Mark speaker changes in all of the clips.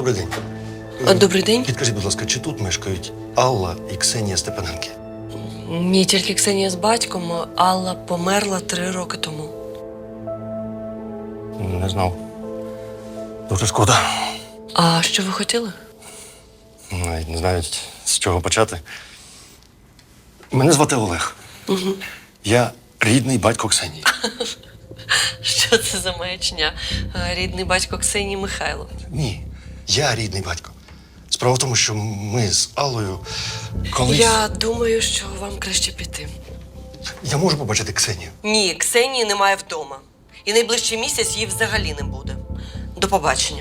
Speaker 1: Добрий день.
Speaker 2: Добрий день.
Speaker 1: Підкажіть, будь ласка, чи тут мешкають Алла і Ксенія Степаненки?
Speaker 2: Ні, тільки Ксенія з батьком. Алла померла 3 роки тому.
Speaker 1: Не знав. Дуже шкода.
Speaker 2: А що ви хотіли?
Speaker 1: Навіть не знаю, з чого почати. Мене звати Олег.
Speaker 2: Угу.
Speaker 1: Я рідний батько Ксенії.
Speaker 2: Що це за маячня? Рідний батько Ксенії Михайло.
Speaker 1: Ні, я рідний батько. Справа в тому, що ми з Аллою колись…
Speaker 2: Я думаю, що вам краще піти.
Speaker 1: Я можу побачити Ксенію?
Speaker 2: Ні, Ксенії немає вдома. І найближчий місяць її взагалі не буде. До побачення.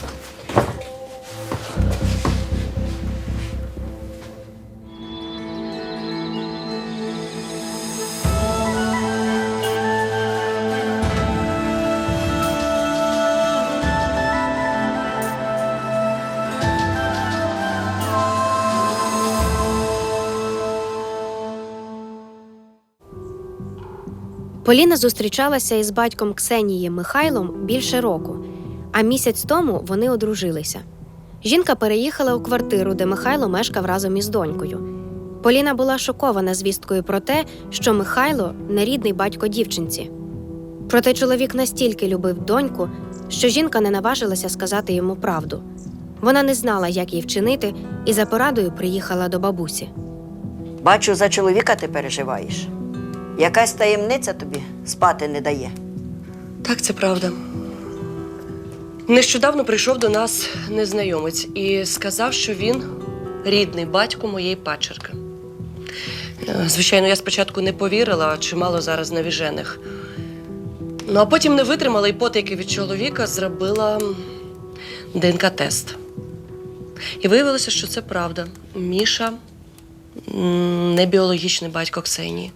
Speaker 3: Поліна зустрічалася із батьком Ксенії Михайлом більше року, а місяць тому вони одружилися. Жінка переїхала у квартиру, де Михайло мешкав разом із донькою. Поліна була шокована звісткою про те, що Михайло – нерідний батько дівчинці. Проте чоловік настільки любив доньку, що жінка не наважилася сказати йому правду. Вона не знала, як їй вчинити, і за порадою приїхала до бабусі.
Speaker 4: Бачу, за чоловіка ти переживаєш. Якась таємниця тобі спати не дає.
Speaker 2: Так, це правда. Нещодавно прийшов до нас незнайомець і сказав, що він рідний батько моєї падчерки. Звичайно, я спочатку не повірила, чимало зараз навіжених. Ну, а потім не витримала і потайки від чоловіка зробила ДНК-тест. І виявилося, що це правда. Міша не біологічний батько Ксенії.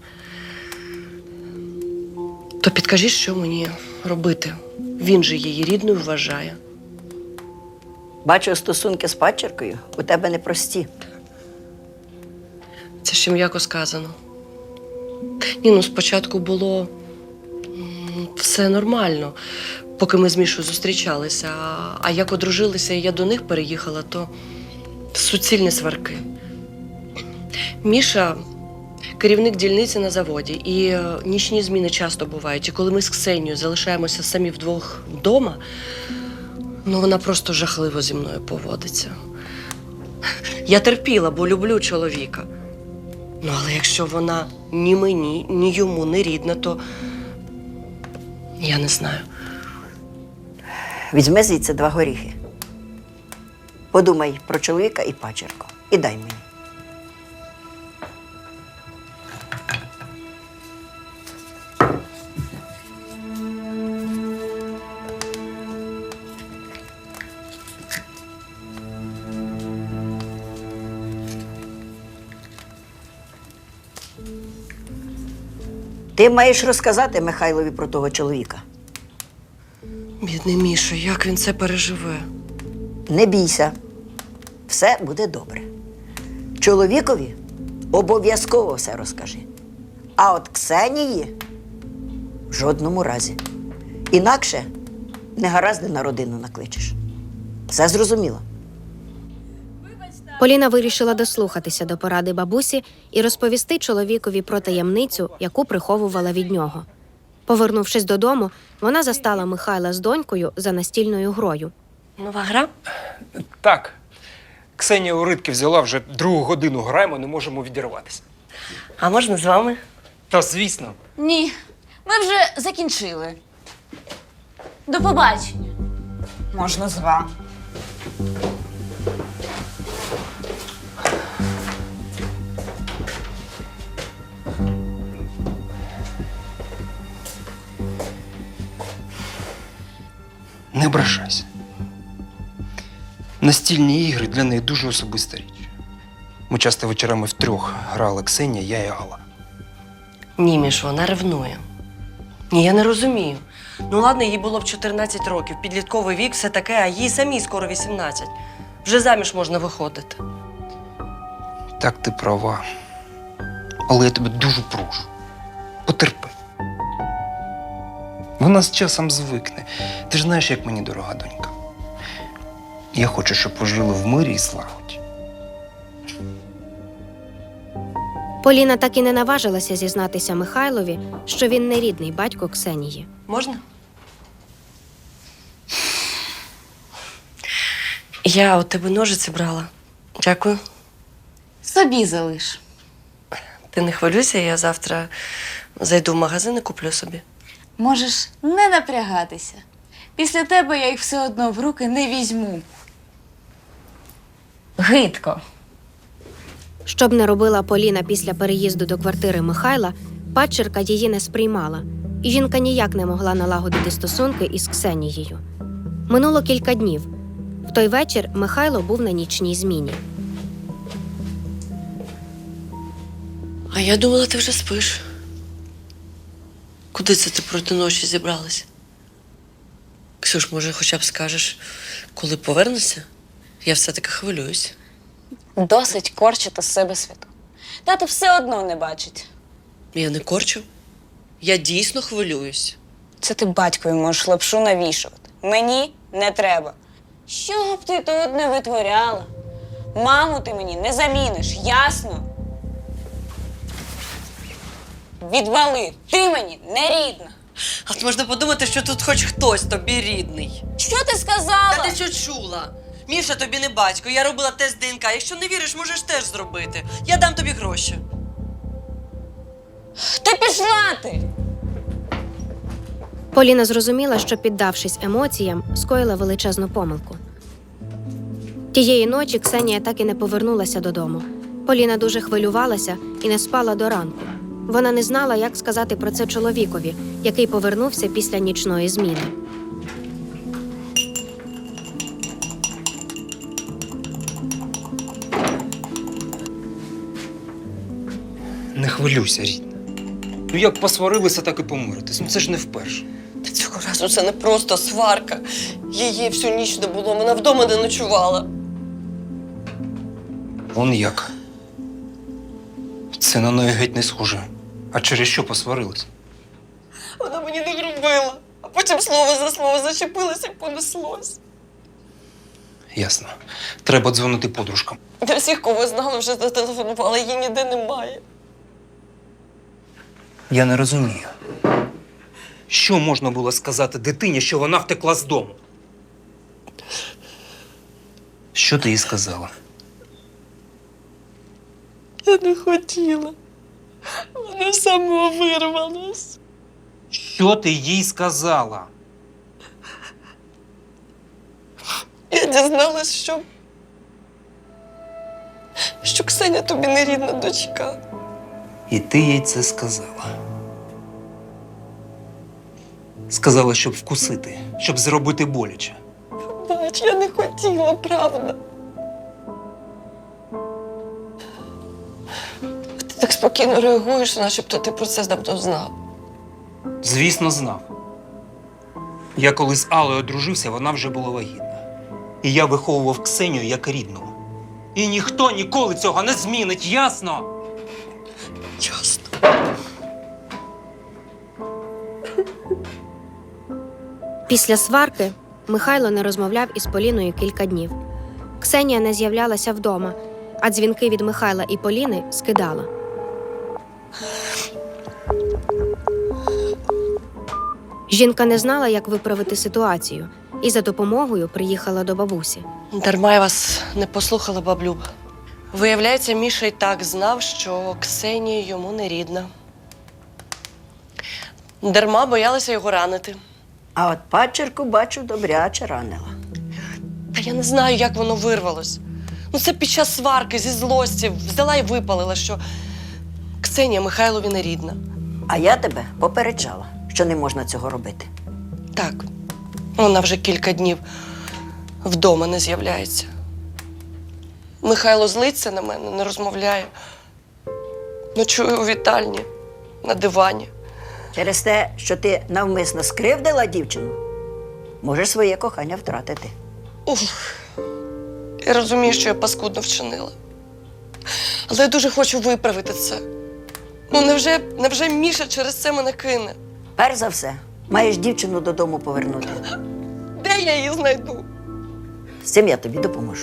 Speaker 2: То підкажіть, що мені робити? Він же її рідною вважає.
Speaker 4: Бачу, стосунки з падчеркою у тебе непрості.
Speaker 2: Це ще м'яко сказано. Ні, ну спочатку було все нормально, поки ми з Мішою зустрічалися. А як одружилися і я до них переїхала, то суцільні сварки. Міша керівник дільниці на заводі, і нічні зміни часто бувають. І коли ми з Ксенією залишаємося самі вдвох вдома, ну вона просто жахливо зі мною поводиться. Я терпіла, бо люблю чоловіка. Ну, але якщо вона ні мені, ні йому не рідна, то я не знаю.
Speaker 4: Візьми звідси 2 горіхи. Подумай про чоловіка і падчерку. І дай мені. Ти маєш розказати Михайлові про того чоловіка.
Speaker 2: Бідний Міша, як він це переживе?
Speaker 4: Не бійся. Все буде добре. Чоловікові обов'язково все розкажи. А от Ксенії в жодному разі. Інакше негаразди на родину накличеш. Все зрозуміло?
Speaker 3: Поліна вирішила дослухатися до поради бабусі і розповісти чоловікові про таємницю, яку приховувала від нього. Повернувшись додому, вона застала Михайла з донькою за настільною грою.
Speaker 2: Нова гра?
Speaker 5: Так. Ксенія у рибки взяла, вже 2 годину граємо, не можемо відірватися.
Speaker 2: А можна з вами?
Speaker 5: Та, звісно.
Speaker 6: Ні, ми вже закінчили. До побачення.
Speaker 7: Можна з вами.
Speaker 5: Не ображайся. Настільні ігри для неї дуже особиста річ. Ми часто вечорами втрьох грали Ксенія, я і Алла.
Speaker 2: Ні, Міш, вона ревнує. Ні, я не розумію. Ну ладно, їй було б 14 років, підлітковий вік, все таке, а їй самій скоро 18. Вже заміж можна виходити.
Speaker 5: Так, ти права. Але я тебе дуже прошу. Потерпи. Вона з часом звикне. Ти ж знаєш, як мені дорога донька. Я хочу, щоб ви жили в мирі і злагоді.
Speaker 3: Поліна так і не наважилася зізнатися Михайлові, що він не рідний батько Ксенії.
Speaker 2: Можна? Я у тебе ножиці брала. Дякую.
Speaker 6: Собі залиш.
Speaker 2: Ти не хвилюйся, я завтра зайду в магазин і куплю собі.
Speaker 6: Можеш не напрягатися. Після тебе я їх все одно в руки не візьму. Гидко.
Speaker 3: Що б не робила Поліна після переїзду до квартири Михайла, падчерка її не сприймала, і жінка ніяк не могла налагодити стосунки із Ксенією. Минуло кілька днів. В той вечір Михайло був на нічній зміні.
Speaker 2: А я думала, ти вже спиш. Куди це ти проти ночі зібралася? Ксюш, може, хоча б скажеш, коли повернешся? Я все-таки хвилююсь.
Speaker 6: Досить корчити з себе світу. Тато все одно не бачить.
Speaker 2: Я не корчу. Я дійсно хвилююсь.
Speaker 6: Це ти батькові можеш лапшу навішувати. Мені не треба. Що б ти тут не витворяла? Маму ти мені не заміниш, ясно? Відвали, ти мені не рідна.
Speaker 2: А можна подумати, що тут хоч хтось тобі рідний.
Speaker 6: Що ти сказала?
Speaker 2: Та ти що чула? Міша тобі не батько, я робила тест ДНК. Якщо не віриш, можеш теж зробити. Я дам тобі гроші.
Speaker 6: Та пішла ти!
Speaker 3: Поліна зрозуміла, що, піддавшись емоціям, скоїла величезну помилку. Тієї ночі Ксенія так і не повернулася додому. Поліна дуже хвилювалася і не спала до ранку. Вона не знала, як сказати про це чоловікові, який повернувся після нічної зміни.
Speaker 5: Не хвилюйся, рідна. Ну як посварилися, так і помиритись. Ну це ж не вперше.
Speaker 2: Та цього разу це не просто сварка. Її всю ніч не було, вона вдома не ночувала.
Speaker 5: Вон як. Це на неї геть не схоже. А через що посварились?
Speaker 2: Вона мені не грубила, а потім слово за слово зачепилося і понеслось.
Speaker 5: Ясно. Треба дзвонити подружкам.
Speaker 2: Для всіх, кого знала, вже зателефонувала, її ніде немає.
Speaker 5: Я не розумію. Що можна було сказати дитині, що вона втекла з дому? Що ти їй сказала?
Speaker 2: Я не хотіла. Вона сама вирвалась.
Speaker 5: Що ти їй сказала?
Speaker 2: Я дізналась, що Ксеня тобі не рідна дочка.
Speaker 5: І ти їй це сказала. Сказала, щоб вкусити, щоб зробити боляче.
Speaker 2: Бач, я не хотіла, правда. Ти так спокійно реагуєш, начебто ти про це давно знав.
Speaker 5: Звісно, знав. Я коли з Аллою одружився, вона вже була вагітна. І я виховував Ксенію як рідну. І ніхто ніколи цього не змінить, ясно?
Speaker 2: Ясно.
Speaker 3: Після сварки Михайло не розмовляв із Поліною кілька днів. Ксенія не з'являлася вдома, а дзвінки від Михайла і Поліни скидала. Жінка не знала, як виправити ситуацію, і за допомогою приїхала до бабусі.
Speaker 2: Дарма я вас не послухала, баблюба. Виявляється, Міша й так знав, що Ксенія йому не рідна. Дарма боялася його ранити.
Speaker 4: А от падчерку, бачу, добряче ранила.
Speaker 2: Та я не знаю, як воно вирвалось. Ну, це під час сварки зі злості взяла і випалила, що Ксенія Михайлові не рідна.
Speaker 4: А я тебе попереджала, що не можна цього робити.
Speaker 2: Так, вона вже кілька днів вдома не з'являється. Михайло злиться на мене, не розмовляє. Ночує у вітальні, на дивані.
Speaker 4: Через те, що ти навмисно скривдила дівчину, можеш своє кохання втратити.
Speaker 2: Уф. Я розумію, що я паскудно вчинила. Але я дуже хочу виправити це. Ну, невже Міша через це мене кине?
Speaker 4: Перш за все, маєш дівчину додому повернути.
Speaker 2: Де я її знайду?
Speaker 4: З цим я тобі допоможу.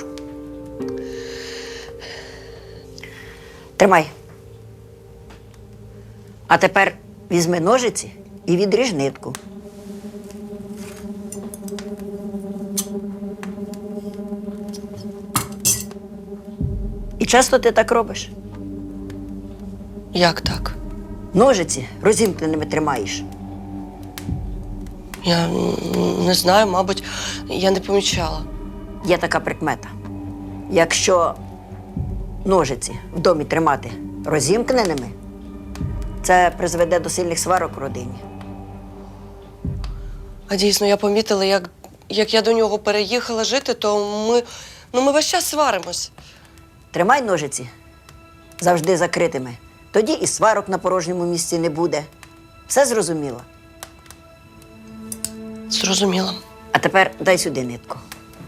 Speaker 4: Тримай. А тепер візьми ножиці і відріж нитку. І часто ти так робиш?
Speaker 2: Як так?
Speaker 4: Ножиці розімкненими тримаєш.
Speaker 2: Я не знаю, мабуть, я не помічала.
Speaker 4: Є така прикмета. Якщо ножиці в домі тримати розімкненими, це призведе до сильних сварок в родині.
Speaker 2: А дійсно, я помітила, як я до нього переїхала жити, то ми весь час сваримось.
Speaker 4: Тримай ножиці завжди закритими. Тоді і сварок на порожньому місці не буде. Все зрозуміло?
Speaker 2: Зрозуміла.
Speaker 4: А тепер дай сюди нитку.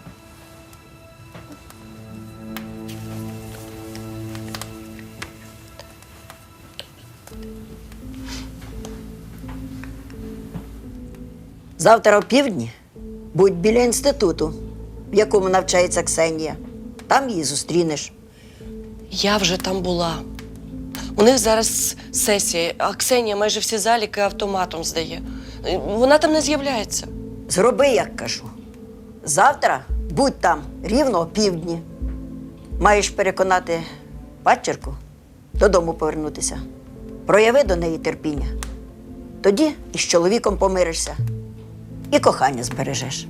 Speaker 4: Завтра о півдні будь біля інституту, в якому навчається Ксенія. Там її зустрінеш.
Speaker 2: Я вже там була. У них зараз сесія, а Ксенія майже всі заліки автоматом здає. Вона там не з'являється.
Speaker 4: Зроби, як кажу. Завтра будь там рівно о півдні. Маєш переконати падчерку додому повернутися. Прояви до неї терпіння. Тоді із чоловіком помиришся і кохання збережеш.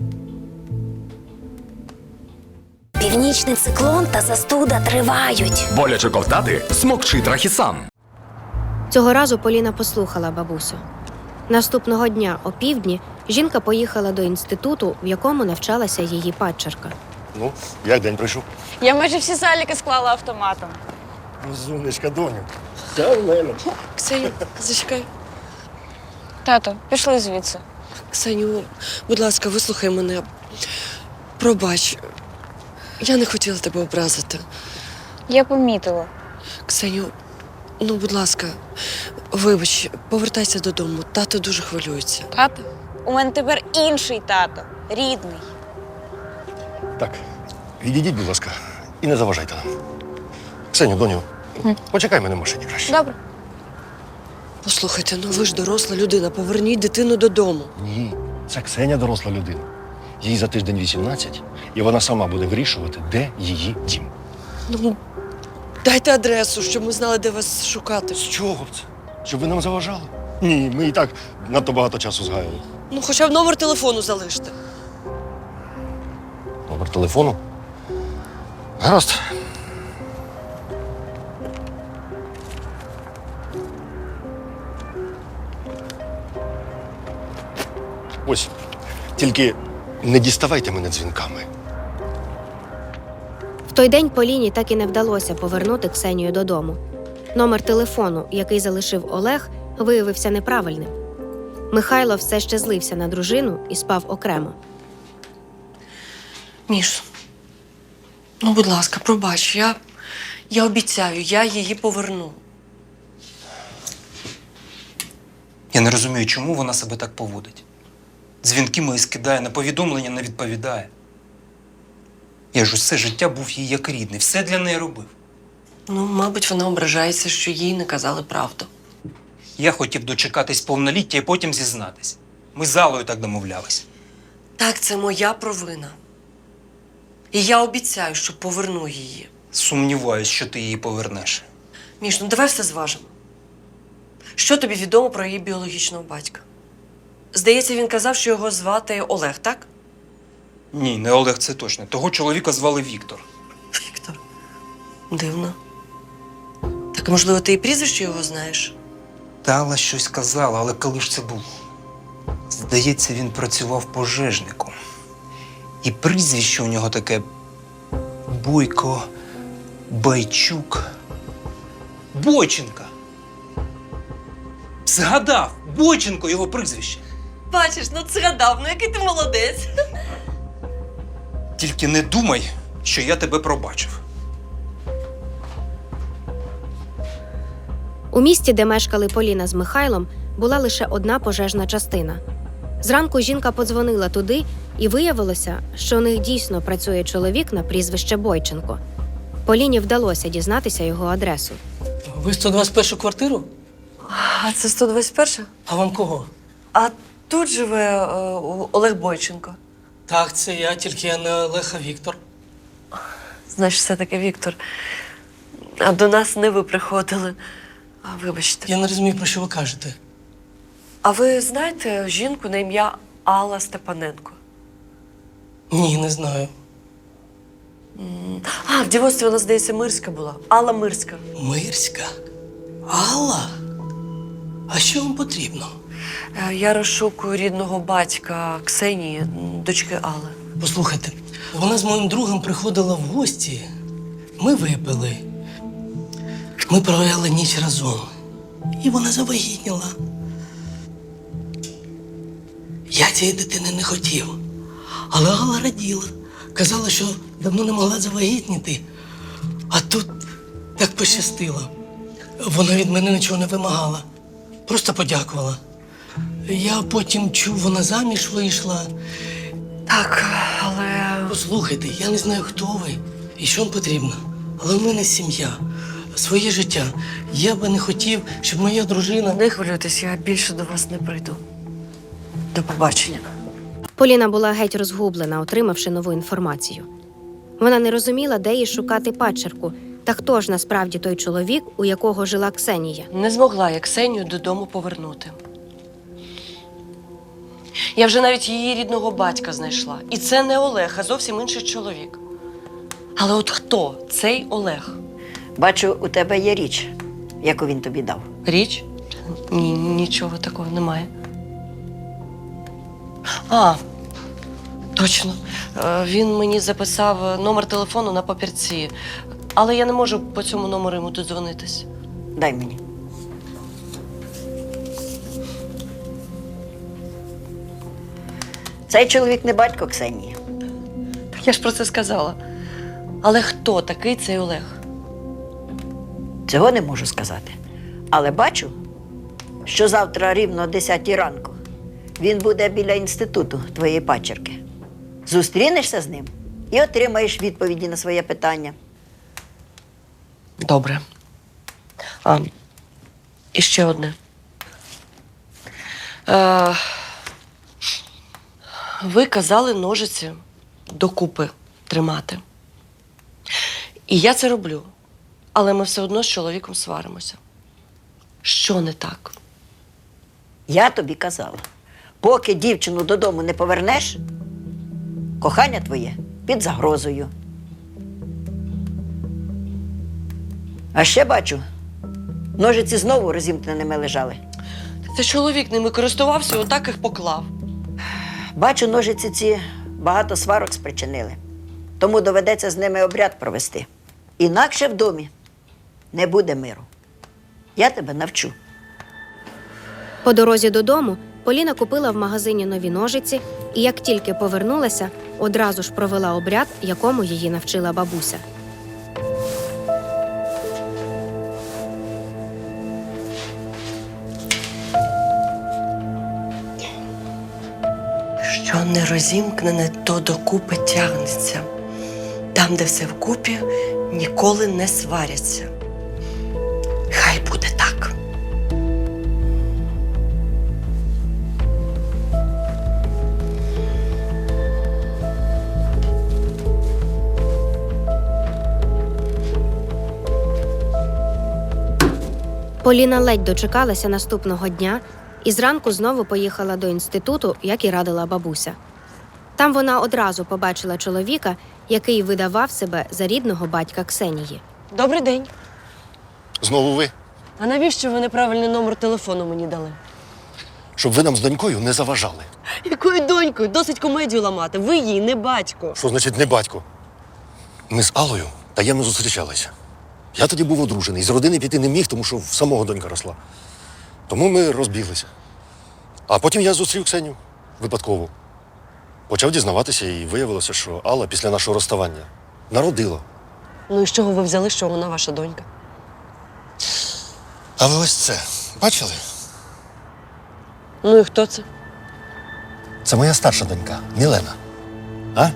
Speaker 8: Північний циклон та застуда тривають.
Speaker 9: Боляче ковтати? Смокчи Трахісан.
Speaker 3: Цього разу Поліна послухала бабусю. Наступного дня о півдні жінка поїхала до інституту, в якому навчалася її падчерка.
Speaker 1: Ну, як день пройшов?
Speaker 6: Я майже всі заліки склала автоматом.
Speaker 1: Розумничка, доню. Це в мене.
Speaker 2: Ксеню, зачекай.
Speaker 6: Тато, пішли звідси.
Speaker 2: Ксеню, будь ласка, вислухай мене. Пробач. Я не хотіла тебе образити.
Speaker 6: Я помітила.
Speaker 2: Ксеню, ну, будь ласка, вибач, повертайся додому. Тато дуже хвилюється.
Speaker 6: Тато? У мене тепер інший тато. Рідний.
Speaker 1: Так, відійдіть, будь ласка, і не заважайте нам. Ксеню, доню, почекай мене в машині краще.
Speaker 6: Добре.
Speaker 2: Послухайте, ну ви ж доросла людина, поверніть дитину додому.
Speaker 1: Ні, це Ксеня доросла людина. Їй за тиждень 18, і вона сама буде вирішувати, де її дім.
Speaker 2: Ну, дайте адресу, щоб ми знали, де вас шукати.
Speaker 1: З чого б це? Щоб ви нам заважали? Ні, ми і так надто багато часу згаяли.
Speaker 2: Ну, хоча б номер телефону залиште.
Speaker 1: Номер телефону? Гаразд. Ось, тільки не діставайте мене дзвінками.
Speaker 3: В той день Поліні так і не вдалося повернути Ксенію додому. Номер телефону, який залишив Олег, виявився неправильним. Михайло все ще злився на дружину і спав окремо.
Speaker 2: Міш, ну, будь ласка, пробач, я обіцяю, я її поверну.
Speaker 5: Я не розумію, чому вона себе так поводить. Дзвінки мої скидає, на повідомлення не відповідає. Я ж усе життя був їй як рідний, все для неї робив.
Speaker 2: Ну, мабуть, вона ображається, що їй не казали правду.
Speaker 5: Я хотів дочекатись повноліття і потім зізнатись. Ми з Аллою так домовлялись.
Speaker 2: Так, це моя провина. І я обіцяю, що поверну її.
Speaker 5: Сумніваюсь, що ти її повернеш.
Speaker 2: Міш, ну давай все зважимо. Що тобі відомо про її біологічного батька? Здається, він казав, що його звати Олег, так?
Speaker 5: Ні, не Олег, це точно. Того чоловіка звали Віктор.
Speaker 2: Віктор. Дивно. Так, можливо, ти і прізвище його знаєш?
Speaker 5: Та Алла щось казала, але коли ж це було? Здається, він працював пожежником. І прізвище у нього таке Бойко, Байчук, Бойченка. Згадав! Бойченко його прізвище.
Speaker 2: Бачиш, ну згадав, ну який ти молодець.
Speaker 5: Тільки не думай, що я тебе пробачив.
Speaker 3: У місті, де мешкали Поліна з Михайлом, була лише одна пожежна частина. Зранку жінка подзвонила туди І виявилося, що у них дійсно працює чоловік на прізвище Бойченко. Поліні вдалося дізнатися його адресу.
Speaker 10: Ви 121 квартиру?
Speaker 2: А це 121?
Speaker 10: А вам кого?
Speaker 2: А тут живе Олег Бойченко.
Speaker 10: Так, це я, тільки я не Олег, а Віктор.
Speaker 2: Значить, все-таки Віктор. А до нас не ви приходили. Вибачте.
Speaker 10: Я не розумію, про що ви кажете.
Speaker 2: А ви знаєте жінку на ім'я Алла Степаненко?
Speaker 10: Ні, не знаю.
Speaker 2: В дівоцтві вона, здається, Мирська була. Алла Мирська.
Speaker 10: Мирська? Алла? А що вам потрібно?
Speaker 2: Я розшукую рідного батька Ксенії, дочки Алли.
Speaker 10: Послухайте, вона з моїм другом приходила в гості. Ми випили. Ми провели ніч разом. І вона завагітніла. Я цієї дитини не хотів. Але Алла раділа. Казала, що давно не могла завагітніти. А тут так пощастило. Вона від мене нічого не вимагала. Просто подякувала. Я потім чув, вона заміж вийшла.
Speaker 2: Так, але.
Speaker 10: Послухайте, я не знаю, хто ви і що вам потрібно. Але в мене сім'я, своє життя. Я би не хотів, щоб моя дружина...
Speaker 2: Не хвилюйтесь, я більше до вас не прийду. До побачення.
Speaker 3: Поліна була геть розгублена, отримавши нову інформацію. Вона не розуміла, де їй шукати падчерку, та хто ж насправді той чоловік, у якого жила Ксенія.
Speaker 2: Не змогла я Ксенію додому повернути. Я вже навіть її рідного батька знайшла. І це не Олег, а зовсім інший чоловік. Але от хто цей Олег?
Speaker 4: Бачу, у тебе є річ, яку він тобі дав.
Speaker 2: Річ? Ні, нічого такого немає. Точно. Він мені записав номер телефону на папірці. Але я не можу по цьому номеру йому додзвонитись.
Speaker 4: Дай мені. Цей чоловік не батько Ксенії.
Speaker 2: Так я ж про це сказала. Але хто такий цей Олег?
Speaker 4: Цього не можу сказати. Але бачу, що завтра рівно о 10 ранку він буде біля інституту твоєї падчерки. Зустрінешся з ним і отримаєш відповіді на своє питання.
Speaker 2: Добре. І ще одне. Ви казали ножиці докупи тримати. І я це роблю. Але ми все одно з чоловіком сваримося. Що не так?
Speaker 4: Я тобі казала, поки дівчину додому не повернеш, кохання твоє під загрозою. А ще бачу, ножиці знову розімкненими лежали.
Speaker 2: Це чоловік ними користувався і отак їх поклав.
Speaker 4: Бачу, ножиці ці багато сварок спричинили. Тому доведеться з ними обряд провести. Інакше в домі не буде миру. Я тебе навчу.
Speaker 3: По дорозі додому Поліна купила в магазині нові ножиці і, як тільки повернулася, одразу ж провела обряд, якому її навчила бабуся.
Speaker 2: Що не розімкнене, то докупи тягнеться. Там, де все вкупі, ніколи не сваряться. Хай буде так.
Speaker 3: Поліна ледь дочекалася наступного дня і зранку знову поїхала до інституту, як і радила бабуся. Там вона одразу побачила чоловіка, який видавав себе за рідного батька Ксенії.
Speaker 2: Добрий день.
Speaker 1: Знову ви?
Speaker 2: А навіщо ви неправильний номер телефону мені дали?
Speaker 1: Щоб ви нам з донькою не заважали.
Speaker 2: Якою донькою? Досить комедію ламати. Ви їй не батько.
Speaker 1: Що значить не батько? Ми з Аллою таємно зустрічалися. Я тоді був одружений, з родини піти не міг, тому що в самого донька росла. Тому ми розбіглися. А потім я зустрів Ксеню випадково. Почав дізнаватися, і виявилося, що Алла після нашого розставання народила.
Speaker 2: Ну і з чого ви взяли, що вона ваша донька?
Speaker 1: А ви ось це бачили?
Speaker 2: Ну і хто це?
Speaker 1: Це моя старша донька Мілена. А?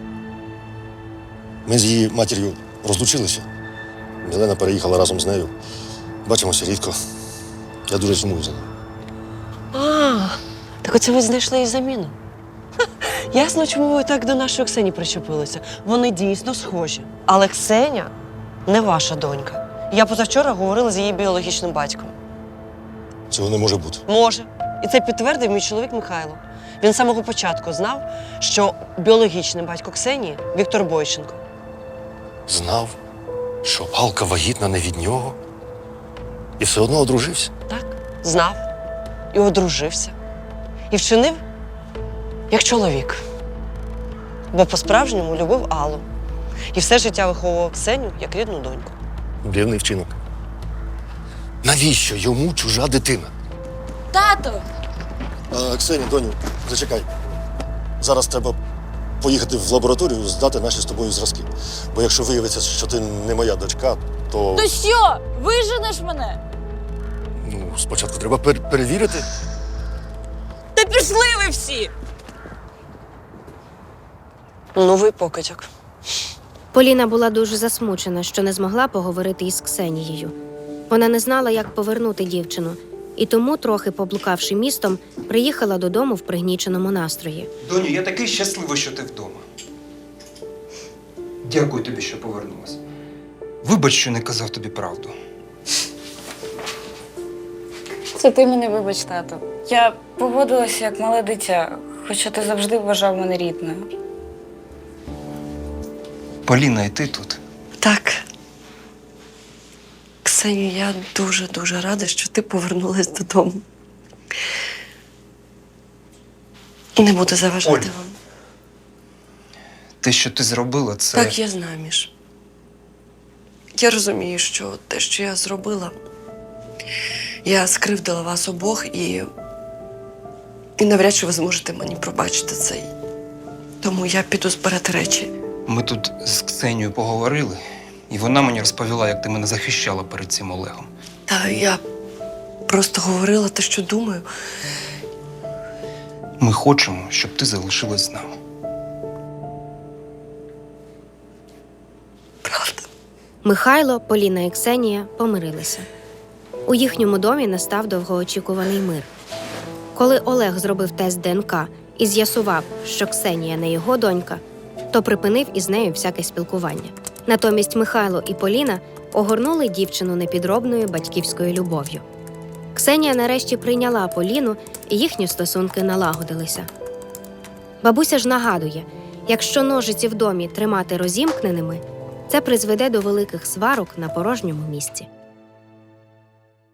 Speaker 1: Ми з її матір'ю розлучилися. Мілена переїхала разом з нею. Бачимося рідко. Я дуже сумую за нею.
Speaker 2: А, так оце ви знайшли їй заміну. Ха, ясно, чому ви так до нашої Ксені причепилися. Вони дійсно схожі. Але Ксеня не ваша донька. Я позавчора говорила з її біологічним батьком.
Speaker 1: Цього не може бути.
Speaker 2: Може. І це підтвердив мій чоловік Михайло. Він з самого початку знав, що біологічний батько Ксенії Віктор Бойченко.
Speaker 1: Знав, що Алка вагітна не від нього. І все одно одружився.
Speaker 2: Так, знав і одружився. І вчинив як чоловік. Бо по-справжньому любив Аллу. І все життя виховував Ксеню як рідну доньку.
Speaker 1: Дивний вчинок. Навіщо йому чужа дитина?
Speaker 6: Тато!
Speaker 1: Ксенія, доню, зачекай. Зараз треба поїхати в лабораторію, здати наші з тобою зразки. Бо якщо виявиться, що ти не моя дочка, то
Speaker 6: То що? Виженеш мене?
Speaker 1: спочатку треба перевірити.
Speaker 6: Та пішли ви всі!
Speaker 2: Новий покидьок.
Speaker 3: Поліна була дуже засмучена, що не змогла поговорити із Ксенією. Вона не знала, як повернути дівчину, і тому, трохи поблукавши містом, приїхала додому в пригніченому настрої.
Speaker 5: Доню, я такий щасливий, що ти вдома. Дякую тобі, що повернулась. Вибач, що не казав тобі правду.
Speaker 6: Це ти мене вибач, тато. Я поводилася як мале дитя, хоча ти завжди вважав мене рідною.
Speaker 5: Поліна, і ти тут.
Speaker 2: Так. Ксеню, я дуже рада, що ти повернулась додому. Не буду заважати
Speaker 5: Оль.
Speaker 2: вам.
Speaker 5: Те, що ти зробила, це.
Speaker 2: Так, я знаю, Міш. Я розумію, що те, що я зробила, я скривдила вас обох і навряд чи ви зможете мені пробачити це. Тому я піду збирати речі.
Speaker 5: Ми тут з Ксенією поговорили, і вона мені розповіла, як ти мене захищала перед цим Олегом.
Speaker 2: Та я просто говорила те, що думаю.
Speaker 5: Ми хочемо, щоб ти залишилась з нами.
Speaker 2: Правда.
Speaker 3: Михайло, Поліна і Ксенія помирилися. У їхньому домі настав довгоочікуваний мир. Коли Олег зробив тест ДНК і з'ясував, що Ксенія не його донька, то припинив із нею всяке спілкування. Натомість Михайло і Поліна огорнули дівчину непідробною батьківською любов'ю. Ксенія нарешті прийняла Поліну, і їхні стосунки налагодилися. Бабуся ж нагадує, якщо ножиці в домі тримати розімкненими, це призведе до великих сварок на порожньому місці.